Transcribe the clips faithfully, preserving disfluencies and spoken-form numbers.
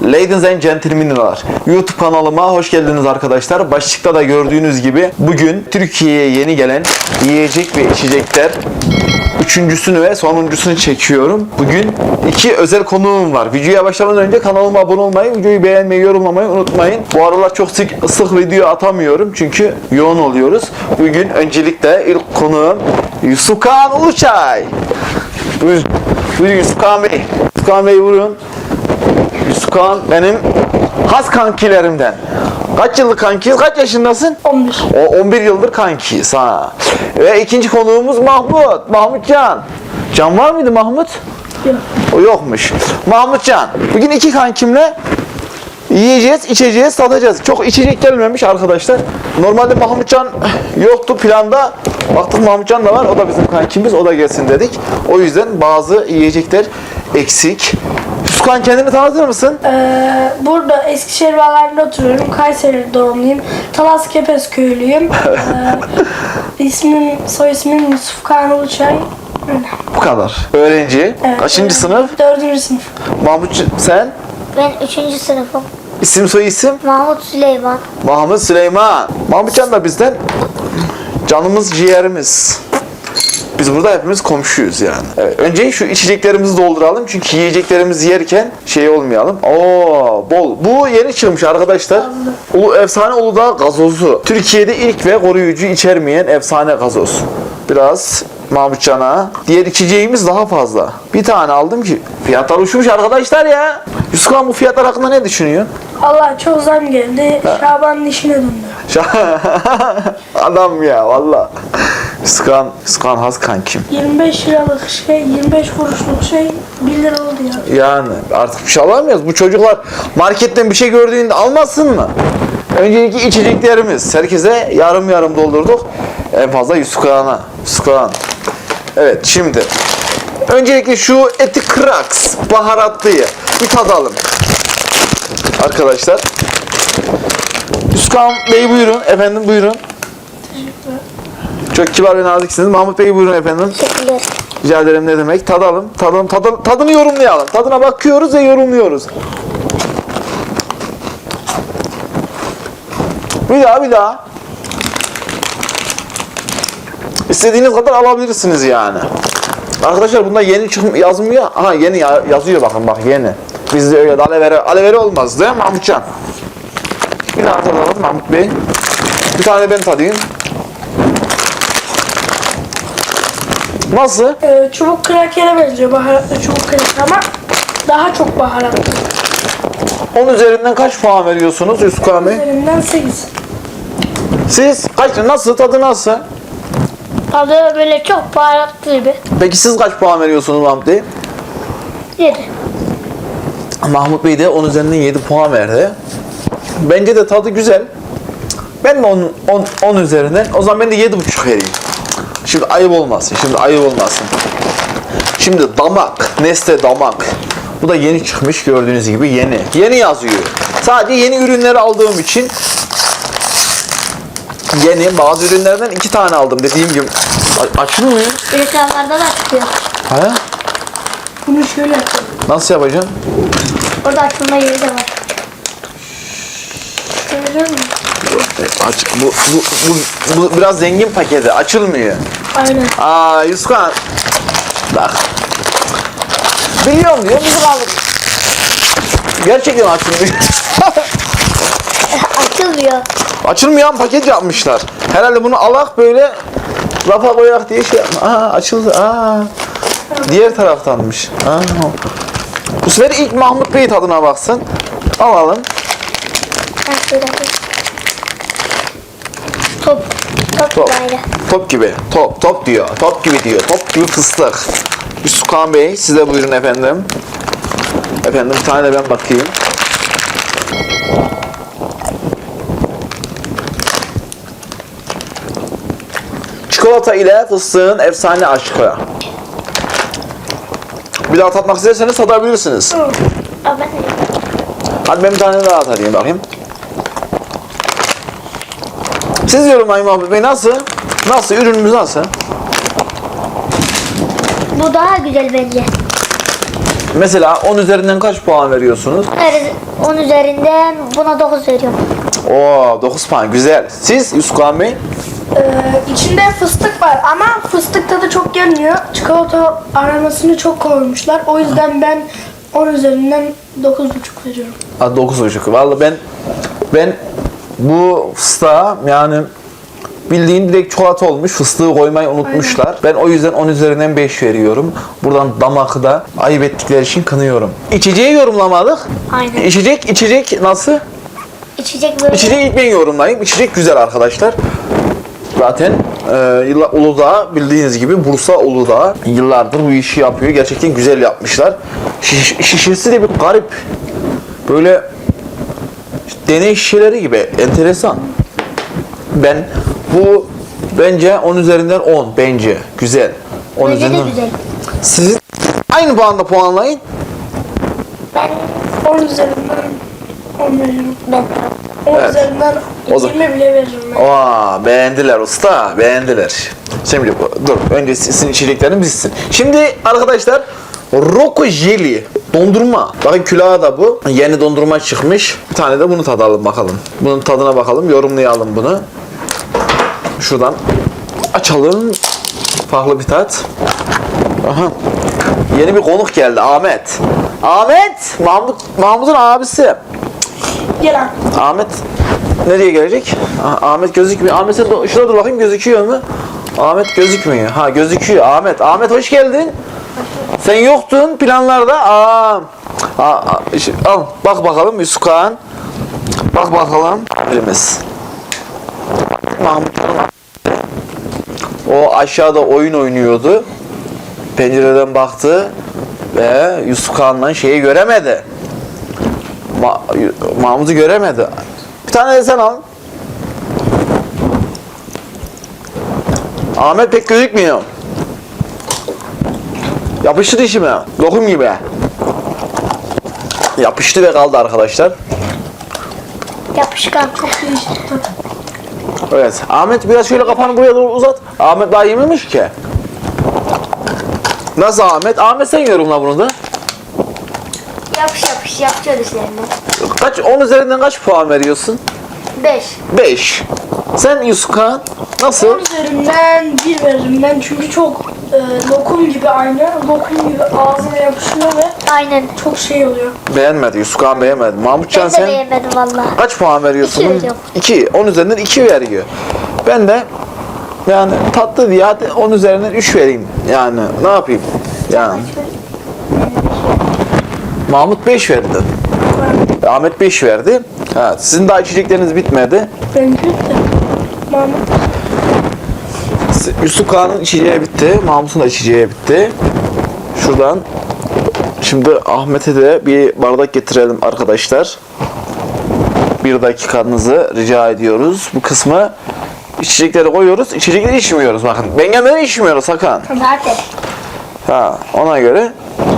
Ladies and gentlemen'lar, YouTube kanalıma hoş geldiniz arkadaşlar. Başlıkta da gördüğünüz gibi bugün Türkiye'ye yeni gelen yiyecek ve içecekler üçüncüsünü ve sonuncusunu çekiyorum. Bugün iki özel konuğum var. Videoya başlamadan önce kanalıma abone olmayı, videoyu beğenmeyi, yorumlamayı unutmayın. Bu aralar çok sık, sık video atamıyorum çünkü yoğun oluyoruz. Bugün öncelikle ilk konuğum Yusufkan Uluçay. Buyurun, buyurun Yusufkan Bey. Yusufkan Bey buyurun. Yusufkan benim has kankilerimden. Kaç yıllık kankiyiz? Kaç yaşındasın? on bir. O on bir yıldır kankiyiz ha. Ve ikinci konuğumuz Mahmut. Mahmutcan. Can var mıydı Mahmut? Yok. O yokmuş. Mahmutcan. Bugün iki kankimle yiyeceğiz, içeceğiz, tadacağız. Çok içecek gelmemiş arkadaşlar. Normalde Mahmutcan yoktu planda. Baktık Mahmutcan da var. O da bizim kankimiz. O da gelsin dedik. O yüzden bazı yiyecekler eksik. Yusufkan kendini tanıtır mısın? Ee, burada Eskişehir Bağları'nda oturuyorum. Kayseri doğumluyum. Talas Kepez köylüyüm. Ee, ismim, soy ismim Yusufkan Uluçay. Öyle. Bu kadar. Öğrenci. Evet, Kaçıncı öyle. sınıf? Dördüncü sınıf. Mahmut sen? Ben üçüncü sınıfım. İsim soy isim? Mahmut Süleyman. Mahmut Süleyman. Mahmutcan da bizden canımız ciğerimiz. Biz burada hepimiz komşuyuz yani. Evet, önce şu içeceklerimizi dolduralım çünkü yiyeceklerimizi yerken şey olmayalım. Oo, bol. Bu yeni çıkmış arkadaşlar. Ulu, efsane Uludağ gazozu. Türkiye'de ilk ve koruyucu içermeyen efsane gazoz. Biraz Mahmutcan'a. Diğer içeceğimiz daha fazla. Bir tane aldım ki fiyatlar uçmuş arkadaşlar ya. Yusufkan bu fiyatlar hakkında ne düşünüyor? Allah çok zam geldi. Şaban'ın işine döndü. Adam ya valla. Yusufkan, Yusufkan has kankim. yirmi beş liralık şey, yirmi beş kuruşluk şey bir lira oldu ya. Yani artık bir şey alamıyoruz. Bu çocuklar marketten bir şey gördüğünde almasın mı? Öncelikle içeceklerimiz. Herkese yarım yarım doldurduk. En fazla Yusufkan'a. Yusufkan. Evet şimdi. Öncelikle şu eti kraks baharatlıyı bir tadalım. Arkadaşlar. Yusufkan Bey buyurun. Efendim buyurun. Çok kibar ve naziksiniz. Mahmut Bey buyurun efendim. Teşekkürler. Rica ederim ne demek. Tadalım. Tadalım. Tadalım. Tadını yorumlayalım. Tadına bakıyoruz ve yorumluyoruz. Bir daha bir daha. İstediğiniz kadar alabilirsiniz yani. Arkadaşlar bunda yeni çıkım yazmıyor. Aha yeni ya- yazıyor bakın bak yeni. Bizde öyle de alevere, alevere olmaz değil mi Mahmutcan? Bir daha tadalım Mahmut Bey. Bir tane ben tadayım. Nasıl? Ee, çubuk krakere benziyor. Baharatlı çubuk kraker ama daha çok baharatlı. on üzerinden kaç puan veriyorsunuz Yusufkan Bey? Üzerinden sekiz. Siz kaç, nasıl, tadı nasıl? Tadı böyle çok baharatlı gibi. Peki siz kaç puan veriyorsunuz Mahmut Bey? Yedi. Mahmut Bey de on üzerinden yedi puan verdi. Bence de tadı güzel. Ben de on üzerinden, o zaman ben de yedi buçuk vereyim. Şimdi ayıp olmasın, şimdi ayıp olmasın. Şimdi damak, Nestle damak. Bu da yeni çıkmış gördüğünüz gibi yeni. Yeni yazıyor. Sadece yeni ürünleri aldığım için yeni bazı ürünlerden iki tane aldım dediğim gibi. A- açılmıyor. Reklamlarda da çıkıyor. Ha? Bunu şöyle yapalım. Nasıl yapacaksın? Orada açılma yeri de var. Görüyor musun? Aç, bu, bu, bu, bu biraz zengin paketi. Açılmıyor. Aynen. Aa Yusufkan. Bak. Biliyorum diyor. Bizim aldık. Gerçekten açılmıyor. Açılmıyor. Açılmayan paket yapmışlar. Herhalde bunu alak böyle rafa koyak diye şey yapma. Aa açıldı. Aa. Diğer taraftanmış. Aa. Bu sefer ilk Mahmut Bey tadına baksın. Alalım. Ha, şöyle yapayım. Top. Top, Top. böyle. Top gibi. Top. Top diyor. Top gibi diyor. Top gibi fıstık. Yusufkan Bey size buyurun efendim. Efendim bir tane de ben bakayım. Çikolata ile fıstığın efsane aşkı. Bir daha tatmak isterseniz tadabilirsiniz. Aa, ben de. Hadi ben bir tane daha tadayım bakayım. Siz yorumlayın Mahmut Bey nasıl? Nasıl? Ürünümüz nasıl? Bu daha güzel bence. Mesela on üzerinden kaç puan veriyorsunuz? Her on üzerinden buna dokuz veriyorum. Oo, dokuz puan güzel. Siz Yusuf Kağan Bey? Ee, içinde fıstık var ama fıstık tadı çok gelmiyor. Çikolata aromasını çok koymuşlar. O yüzden ben on üzerinden dokuz buçuk veriyorum. Ha, dokuz buçuk. Vallahi ben ben bu fıstığa yani bildiğin direkt çikolata olmuş. Fıstığı koymayı unutmuşlar. Ben o yüzden on üzerinden beş veriyorum. Buradan damakı da ayıp ettikleri için kınıyorum. İçeceği yorumlamadık. Aynen. İçecek, içecek nasıl? İçecek böyle. İçeceği ilk ben yorumlayayım. İçecek güzel arkadaşlar. Zaten e, yıllar, Uludağ bildiğiniz gibi Bursa Uludağ yıllardır bu işi yapıyor. Gerçekten güzel yapmışlar. Şiş, şişesi de bir garip. Böyle deney şişeleri gibi. Enteresan. Ben bu bence on üzerinden on bence. Güzel. on Bence de üzerinden. güzel. Sizin aynı puanda puanlayın. Ben on üzerinden on veriyorum. ben on Evet. üzerinden O da- yirmi bile veririm ben. Aa, beğendiler usta, beğendiler. Şimdi bu- dur, önce sizin içeceklerini bizsin. Şimdi arkadaşlar, Roko Jelly dondurma. Bakın külahı da bu. Yeni dondurma çıkmış. Bir tane de bunu tadalım bakalım. Bunun tadına bakalım, yorumlayalım bunu. Şuradan açalım. Farklı bir tat. Aha. Yeni bir konuk geldi, Ahmet. Ahmet, Mahmut, Mahmut'un abisi. Gelen. Ahmet nereye gelecek? Ah, Ahmet gözükmüyor. Ahmet sen de- şurada dur bakayım, gözüküyor mu? Ahmet gözükmüyor. Ha, gözüküyor. Ahmet. Ahmet hoş geldin. Sen yoktun planlarda. Aa. Aa, aa, işte, al bak bakalım Yusuf Kağan. Bak bakalım. Elimiz. Mahmut. O aşağıda oyun oynuyordu. Pencereden baktı ve Yusuf Kağan'la şeyi göremedi. Ma Mahmut'u göremedi. Bir tane de sen al. Ahmet pek gözükmüyor. Yapıştı dişime. Lokum gibi. Yapıştı ve kaldı arkadaşlar. yapışkan. Değişik tat. Evet. Ahmet biraz şöyle kafanı buraya doğru uzat. Ahmet daha yememiş ki. Nasıl Ahmet? Ahmet sen yorumla bunu da. Yapış yapış yapacağız işlerini. Kaç, on üzerinden kaç puan veriyorsun? beş. beş. Sen Yusuf Kağan nasıl? on üzerinden bir veririm ben çünkü çok e, lokum gibi aynı. Lokum gibi ağzına yapışıyor ve Aynen. çok şey oluyor. Beğenmedi. Yusuf Kağan beğenmedi. Mahmutcan Ben de sen beğenmedim valla. kaç puan veriyorsun? İki veriyorum. iki. on üzerinden iki veriyor. Ben de yani tatlı diye hadi on üzerinden üç vereyim. Yani ne yapayım? Yani Mahmut beş verdi. Ahmet beş verdi. Ha, sizin daha içecekleriniz bitmedi. Benimki de. Mahmut. Yusuf Kağan'ın içeceği bitti. Mahmut'un da içeceği bitti. Şuradan şimdi Ahmet'e de bir bardak getirelim arkadaşlar. Bir dakikanızı rica ediyoruz. Bu kısmı içecekleri koyuyoruz. İçecekleri içmiyoruz bakın. Bengemleri içmiyoruz sakın. Zaten. Ha, ona göre.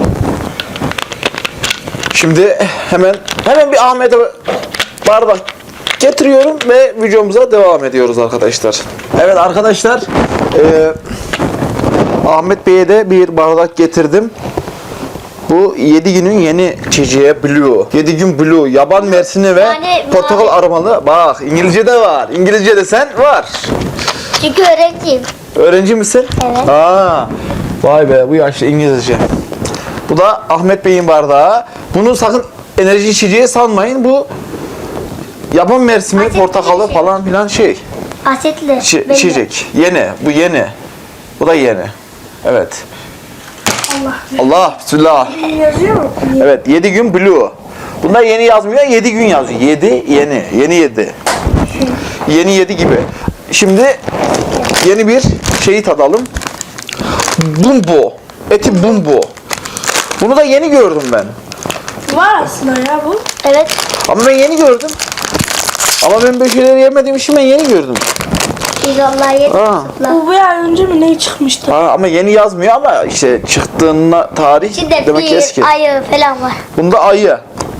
Şimdi hemen hemen bir Ahmet'e bardak getiriyorum ve videomuza devam ediyoruz arkadaşlar. Evet arkadaşlar, e, Ahmet Bey'e de bir bardak getirdim. Bu yedi günün yeni içeceği Blue. yedi gün Blue, yaban mersini ve Yani portakal mavi. aromalı. Bak İngilizce de var. İngilizce de sen var. Çünkü öğrenciyim. Öğrenci misin? Evet. Aa, vay be bu yaşlı İngilizce. Bu da Ahmet Bey'in bardağı. Bunu sakın enerji içeceği sanmayın. Bu yaban mersimi, Asetli portakalı bir şey. falan filan şey. Asetli. İçi- belli. içecek. Yeni. Bu yeni. Bu da yeni. Evet. Allah. Allah bismillah. Yazıyor mu? Evet yedi gün Blue. Bunda yeni yazmıyor, yedi gün yazıyor. yedi yeni. Yeni yedi. Yeni yedi gibi. Şimdi yeni bir şeyi tadalım. Bumbo. Eti bumbo. Bunu da yeni gördüm ben. Var aslında ya bu. Evet. Ama ben yeni gördüm. Ama ben böyle şeyleri yemediğim için ben yeni gördüm. Biz vallahi yedik. Ha. Bu bir ay önce mi ne çıkmıştı? Ha, ama yeni yazmıyor ama işte çıktığına tarih İçinde demek ki eski. bir ayı falan var. Bunda ayı.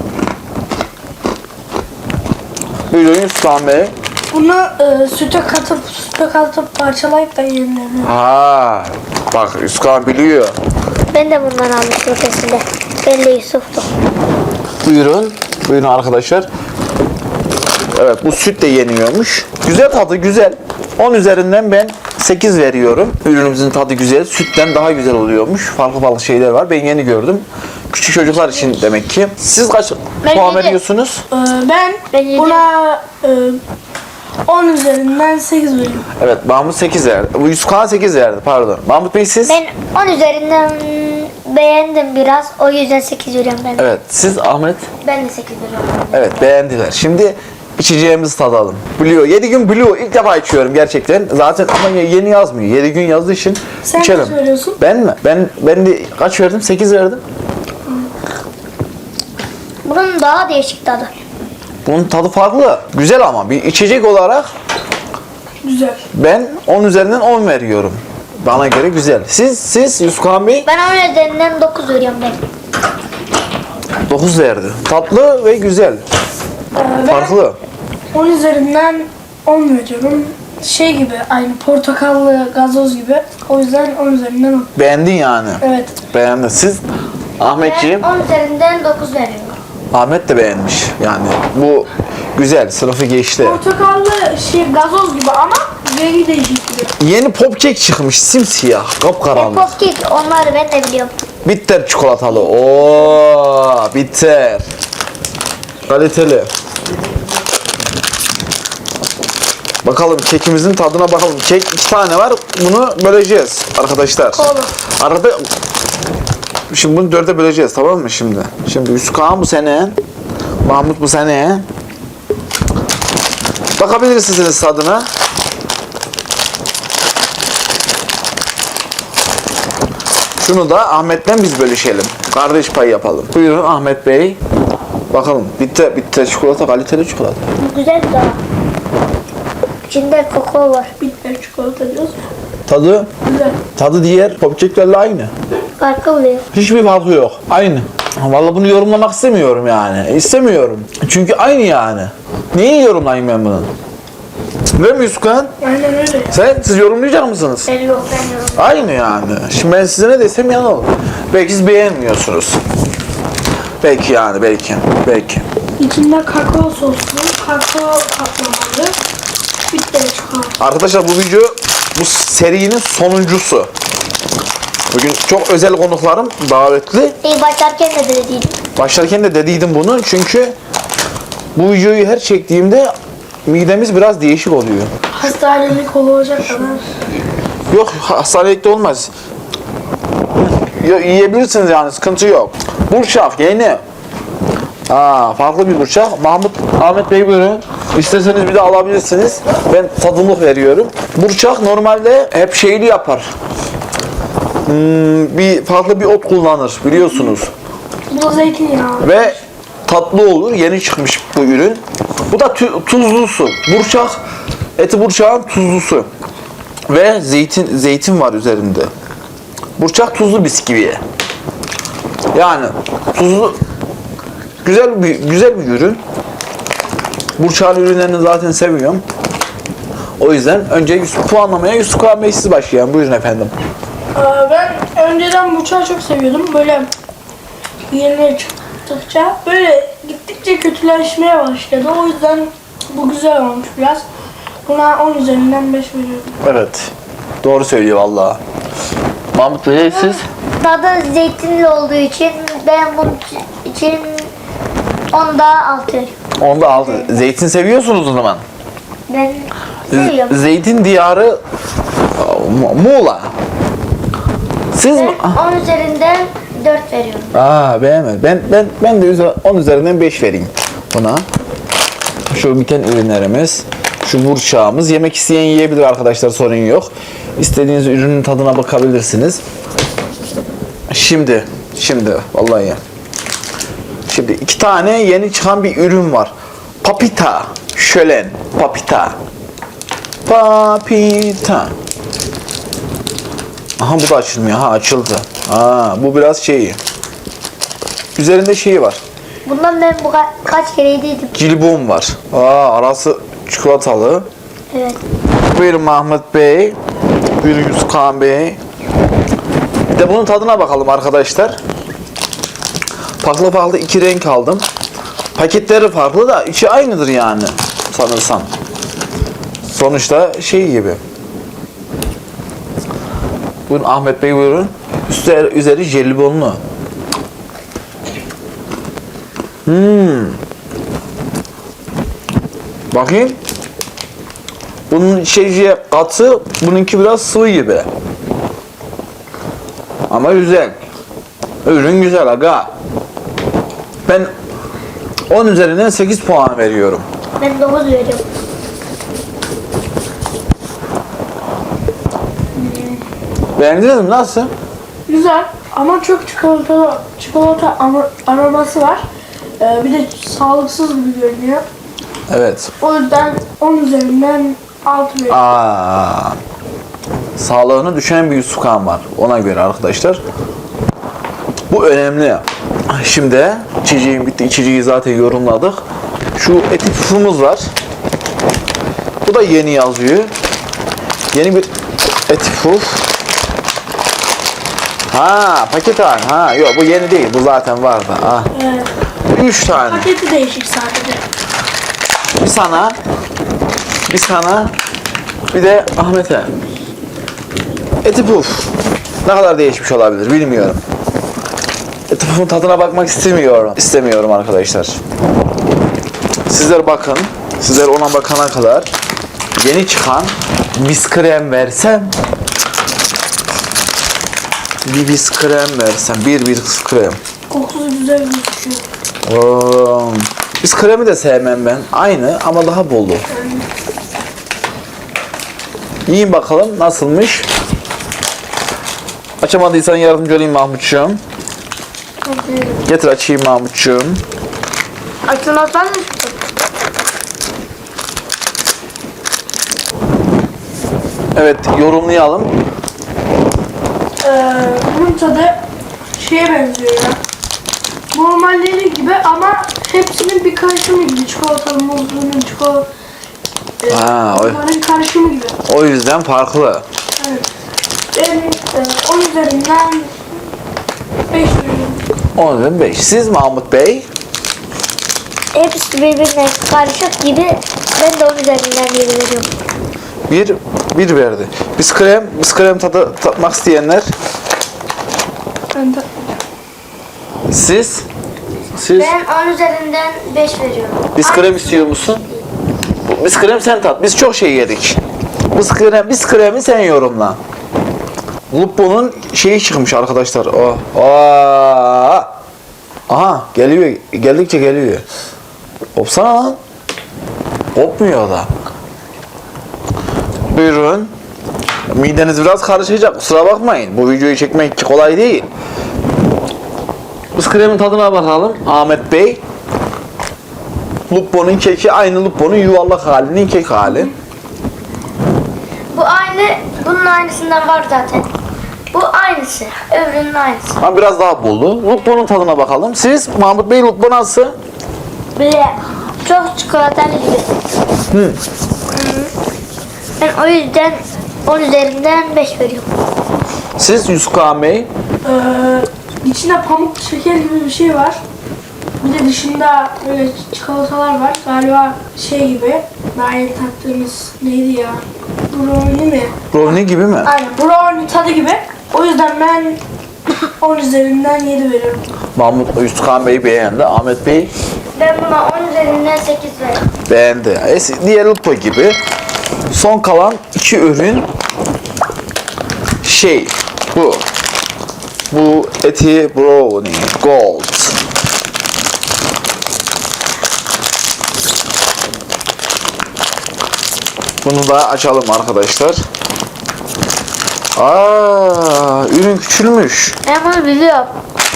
Buyurun Yusuf Bey. Bunu e, süte katıp süte katıp parçalayıp da yenilebilir. Ha, bak Yusuf biliyor. Ben de bundan aldım protesinde. Belli Yusuf'tu. Buyurun. Buyurun arkadaşlar. Evet, bu süt de yeniyormuş. Güzel tadı, güzel. on üzerinden ben sekiz veriyorum. Ürünümüzün tadı güzel. Sütten daha güzel oluyormuş. Farklı farklı şeyler var. Ben yeni gördüm. Küçük çocuklar için demek ki. Siz kaç Ben puan yedi. veriyorsunuz? Ee, ben, Ben yedi. buna e, on üzerinden sekiz veriyorum. Evet, Mahmut sekiz verdi. Bu Yusuf Kağan sekiz verdi, pardon. Mahmut Bey siz? Ben on üzerinden beğendim biraz. O yüzden sekiz veriyorum ben. Evet, siz Ahmet? Ben de sekiz veriyorum. Evet, beğendiler. Şimdi içeceğimizi tadalım. Blue. yedi gün Blue. İlk defa içiyorum gerçekten. Zaten ama yeni yazmıyor. yedi gün yazdığı için Sen içelim. kaç veriyorsun? Ben mi? Ben ben de kaç verdim? sekiz verdim. Bunun daha değişik tadı. Bunun tadı farklı. Güzel ama bir içecek olarak Güzel. ben on üzerinden on veriyorum. Bana göre güzel. Siz siz Yusuf Kağan Bey Ben on üzerinden dokuz veriyorum ben. dokuz verdi. Tatlı ve güzel. Ee, ben Farklı. on üzerinden on veriyorum. Şey gibi, aynı portakallı gazoz gibi. O yüzden on üzerinden on. Beğendin yani. Evet. Beğendi. Siz Ahmetciğim? Ben on üzerinden dokuz veriyorum. Ahmet de beğenmiş. Yani bu güzel. Sınıfı geçti. Portakallı şey gazoz gibi ama rengi değişik gibi. Yeni popkek çıkmış. Simsiyah. Kapkaranlık. Popkek onları ben de biliyorum. Bitter çikolatalı. Oo, bitter. Kaliteli. Bakalım kekimizin tadına bakalım. Kek iki tane var. Bunu böleceğiz arkadaşlar. Olur. Arada şimdi bunu dörde böleceğiz, tamam mı şimdi? Şimdi Yusuf Kağan bu sene, Mahmut bu sene. Bakabilirsiniz tadına. Şunu da Ahmet'ten biz bölüşelim. Kardeş payı yapalım. Buyurun Ahmet Bey. Bakalım. Bitter, bitter çikolata, kaliteli çikolata. Bu güzel bir tadı. İçinde kakao var. Bitter çikolata diyoruz. Tadı, Güzel. tadı diğer popkeklerle aynı. Farklı oluyor. Hiçbir farkı yok. Aynı. Vallahi bunu yorumlamak istemiyorum yani. İstemiyorum. Çünkü aynı yani. Neyi yorumlayayım ben bunu? Değil mi Yusuf Kağan? Aynen öyle. Sen, siz yorumlayacak mısınız? Ben yok ben yorum. Aynı yani. Şimdi ben size ne desem yalan olur. Belki siz beğenmiyorsunuz. Belki yani, belki. Belki. İçinde kakao soslu, kakao kaplamalı, bitter çikolata. Arkadaşlar bu video bu serinin sonuncusu. Bugün çok özel konuklarım davetli. İyi başlarken de dediydim. Başlarken de dediydim bunu çünkü bu videoyu her çektiğimde midemiz biraz değişik oluyor. Hastanelik olacak kadar. Yok, hastanelikte olmaz. Yo, yiyebilirsiniz yani, sıkıntı yok. Burçak yeni. Aa, farklı bir burçak. Mahmut, Ahmet Bey buyurun. İsterseniz bir de alabilirsiniz. Ben tadımlık veriyorum. Burçak normalde hep şeyli yapar. Hmm, bir farklı bir ot kullanır biliyorsunuz. Bu da zeytinyağı. Ve tatlı olur. Yeni çıkmış bu ürün. Bu da tü- tuzlusu. Burçak, eti burçağın tuzlusu. Ve zeytin zeytin var üzerinde. Burçak tuzlu bisküvi. Yani tuzlu güzel bir güzel bir ürün. Burçak'ın ürünlerini zaten seviyorum. O yüzden önce Yusuf, puanlamaya Yusuf Kağan Bey siz başlayın. Buyurun efendim. Aa, ben önceden bu çayı çok seviyordum. Böyle yeni çıktıkça böyle gittikçe kötüleşmeye başladı. O yüzden bu güzel olmuş biraz. Buna on üzerinden beş veriyorum. Evet. Doğru söylüyor vallahi. Mahmut Bey siz? Tadı zeytinli olduğu için ben bunun için onda altı veriyorum. Onda altı. Zeytin seviyorsunuz o zaman. Ben Z- seviyorum. Zeytin diyarı Mu- Muğla. Siz Ben mi? on üzerinden dört veriyorum. Aa, beğenmedim. Ben ben ben de üze- on üzerinden beş vereyim buna. Şu biten ürünlerimiz, şu burçağımız. Yemek isteyen yiyebilir arkadaşlar, sorun yok. İstediğiniz ürünün tadına bakabilirsiniz. Şimdi, şimdi vallahi. Şimdi iki tane yeni çıkan bir ürün var. Papita, şölen, papita. Papita. Aha bu da açılmıyor. Ha açıldı. Aa, bu biraz şey. Üzerinde şeyi var. Bundan ben bu ka- kaç kere yediydim. Cilbom var. Aa, arası çikolatalı. Evet. Buyurun Mahmut Bey. Buyurun Yusuf Kağan Bey. Bir de bunun tadına bakalım arkadaşlar. Farklı farklı iki renk aldım. Paketleri farklı da içi aynıdır yani sanırsam. Sonuçta şey gibi. Buyurun Ahmet Bey buyurun. Üstü, üzeri jelibonlu. Hmm. Bakayım. Bunun içeceği katı, bununki biraz sıvı gibi. Ama güzel. Ürün güzel aga. Ben on üzerinden sekiz puan veriyorum. Ben dokuz veriyorum. Beğendiniz mi? Nasıl? Güzel ama çok çikolata çikolata ama- aroması var. Ee, bir de sağlıksız gibi görünüyor. Evet. O yüzden on üzerinden altı veriyorum. Aa, sağlığını düşünen bir Yusufkan var. Ona göre arkadaşlar. Bu önemli. Şimdi içeceğim bitti. İçeceği zaten yorumladık. Şu eti pufumuz var. Bu da yeni yazıyor. Yeni bir eti puf. Ha paket var. Ha yok bu yeni değil. Bu zaten vardı. Ha. Evet. Üç tane. Paketi değişik sadece. Bir sana. Bir sana. Bir de Ahmet'e. Eti puf. Ne kadar değişmiş olabilir bilmiyorum. Eti pufun tadına bakmak istemiyorum. İstemiyorum arkadaşlar. Sizler bakın. Sizler ona bakana kadar yeni çıkan biskrem versem bir biskrem versem bir biskrem. Kokusu güzel gözüküyor. Oo. Biskremi de sevmem ben. Aynı ama daha bolu. Yiyin bakalım nasılmış. Açamadıysan yardımcı olayım Mahmutcuğum. Getir açayım Mahmutcuğum. Açılmazsan mı? Evet yorumlayalım. Ee, bunun tadı şeye benziyor ya. Normalleri gibi ama hepsinin bir karışımı gibi. Çikolatalı, muzlunun, çikolata... E, Ha, o- onların karışımı gibi. O yüzden farklı. Evet. Ben e, on üzerinden beş veriyorum. on üzerinden beş. Siz Mahmut Bey? Hepsi birbirine karışık gibi. Ben de on üzerinden yedi veriyorum. Bir, bir verdi. Biskrem, biskrem tadı tatmak isteyenler. Ben de Siz? Siz? Ben on üzerinden beş veriyorum. Biskrem istiyor musun? Bu Biskrem sen tat. Biz çok şey yedik. Biskrem, biskremi sen yorumla. Lupo'nun şeyi çıkmış arkadaşlar. Oh. Aa. Aha geliyor. Geldikçe geliyor. Kopsana lan. Kopmuyor da. Buyurun. Mideniz biraz karışacak. Kusura bakmayın. Bu videoyu çekmek kolay değil. Biskremin tadına bakalım. Ahmet Bey. Lupo'nun keki aynı Lupo'nun yuvarlak halinin kek hali. Bu aynı, bunun aynısından var zaten. Bu aynısı. Öbürünün aynısı. Ama biraz daha bolu. Lupo'nun tadına bakalım. Siz Mahmut Bey Lupo nasıl? Böyle çok çikolatalı gibi. Hı. Ben o yüzden on üzerinden beş veriyorum. Siz Yusuf Kağan Bey. Ee, içinde pamuk şeker gibi bir şey var. Bir de dışında böyle çikolatalar var. Galiba şey gibi. Daha yeni tattığımız neydi ya? Brownie mi? Brownie gibi mi? Aynen brownie tadı gibi. O yüzden ben on üzerinden yedi veriyorum. Mahmut Yusuf Kağan Bey beğendi. Ahmet Bey Ben buna on üzerinden sekiz veriyorum. beğendi. Es- Diğer Lupo gibi. Son kalan iki ürün şey bu. Bu eti brownie gold. Bunu da açalım arkadaşlar. Aa, ürün küçülmüş. Ben bunu biliyorum.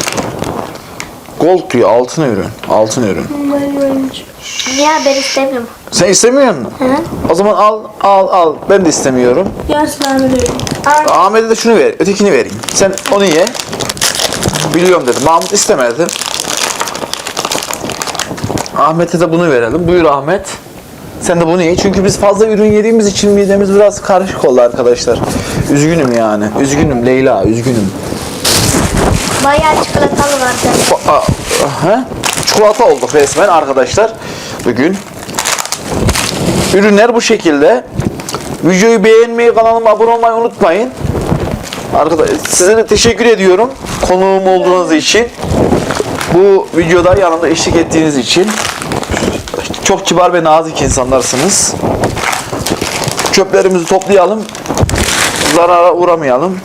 Gold diyor, altın ürün. Altın ürün. Bunları görünce. Niye ben istemiyorum? Sen istemiyor musun? Hı? O zaman al, al, al. Ben de istemiyorum. Yarısını Ahmet'e veriyorum. Ahmet'e de şunu ver, ötekini vereyim. Sen onu ye. Biliyorum dedim. Mahmut istemedi. Ahmet'e de bunu verelim. Buyur Ahmet. Sen de bunu ye. Çünkü biz fazla ürün yediğimiz için midemiz biraz karışık oldu arkadaşlar. Üzgünüm yani. Üzgünüm Leyla, üzgünüm. Bayağı çikolatalı var zaten. Fa- a- Aha, çikolata olduk resmen arkadaşlar bugün. Ürünler bu şekilde. Videoyu beğenmeyi, kanalıma abone olmayı unutmayın. Arkadaşlar size de teşekkür ediyorum konuğum olduğunuz için. Bu videoda yanımda eşlik ettiğiniz için. Çok kibar ve nazik insanlarsınız. Çöplerimizi toplayalım. Zarara uğramayalım.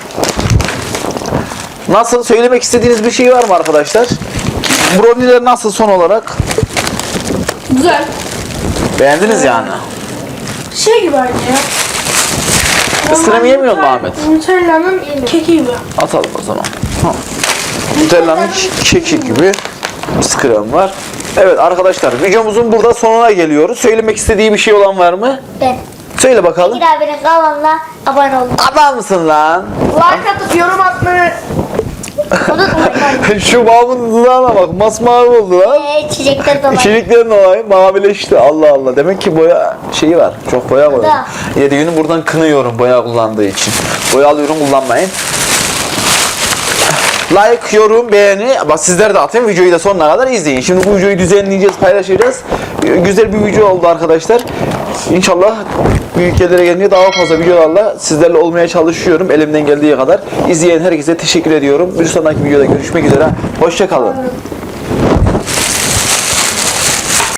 Nasıl? Söylemek istediğiniz bir şey var mı arkadaşlar? Brownie'ler nasıl son olarak? Güzel. Beğendiniz yani. Şey gibi aynı ya. Isırım yemiyor mu Ahmet? Nutella'nın keki gibi. Atalım o zaman. Ha. Nutella'nın keki gibi krem var. Evet arkadaşlar videomuzun burada sonuna geliyoruz. Söylemek istediği bir şey olan var mı? Ben. Söyle bakalım. Bekir abinin kanalına abone olun. Adam mısın lan? Like atıp yorum atmayı. Unutmayın. Şu babamın dudağına bak, masmavi oldu lan. Eee çiçekler dolayı. İçeriklerin olayı mavileşti. Allah Allah. Demek ki boya şeyi var. Çok boya var. Da. yedi günü buradan kınıyorum boya kullandığı için. Boyalı ürün kullanmayın. Like, yorum, beğeni. Bak sizler de atın. Videoyu da sonuna kadar izleyin. Şimdi bu videoyu düzenleyeceğiz, paylaşacağız. Güzel bir video oldu arkadaşlar. İnşallah büyük yerlere gelince daha fazla videolarla sizlerle olmaya çalışıyorum. Elimden geldiği kadar. İzleyen herkese teşekkür ediyorum. Bir sonraki videoda görüşmek üzere. Hoşça kalın.